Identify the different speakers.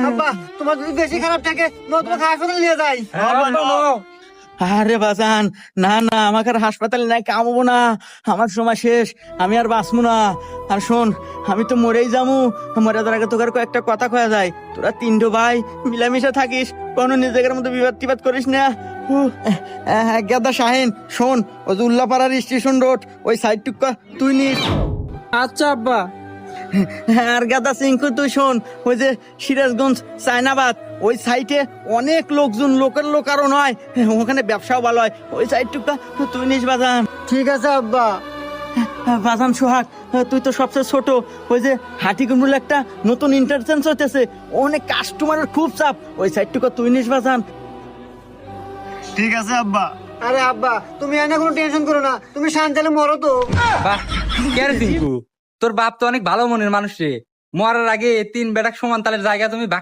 Speaker 1: আব্বা তোমার যদি বেশি খারাপ থাকে তোমাকে হাসপাতালে নিয়ে যাই।
Speaker 2: আরে বাজান, না না, আমাকে আর হাসপাতালে নাই কামবো না, আমার সময় শেষ, আমি আর বাঁচবো না। আর শোন, আমি তো মরেই যাবো, মরে যাওয়ার আগে তোকে কয়েকটা কথা কয়া যায়। তোরা তিনটো ভাই মিলামিশা থাকিস, কোনো নিজেদের মধ্যে বিবাদ টিবাদ করিস না। গেদা শাহিন, শোন, ওই যে উল্লাপাড়ার স্টেশন রোড ওই সাইড টুকা তুই নিস।
Speaker 3: আচ্ছা আব্বা।
Speaker 2: আর গাদা সিংকু তুই শোন, ওই যে সিরাজগঞ্জ চায়নাবাদ ওই সাইটে অনেক লোকজন, লোকের লোক আরো নয়, ওখানে ব্যবসাও ভালো হয়, ওই সাইডটুকা তুই নিস বাজান।
Speaker 1: ঠিক আছে আব্বা।
Speaker 2: বাজান সোহাগ, তুই তো সবচেয়ে ছোট, ওই যে হাটিগুন্ডুল একটা নতুন ইন্টারচেঞ্জ হইতেছে, অনেক কাস্টমারের খুব চাপ, ওই সাইডটুকা তুই নিস বাজান।
Speaker 1: ঠিক আছে আব্বা। আরে আব্বা তুমি এনে কোনো টেনশন করো না, তুমি শান্তালে মরো তো।
Speaker 3: বাহ, কে রে টিঙ্কু, তোর বাপ তো অনেক ভালো মনের মানুষ রে। মরার আগে তিন বেটাক সমান তালের জায়গা তুমি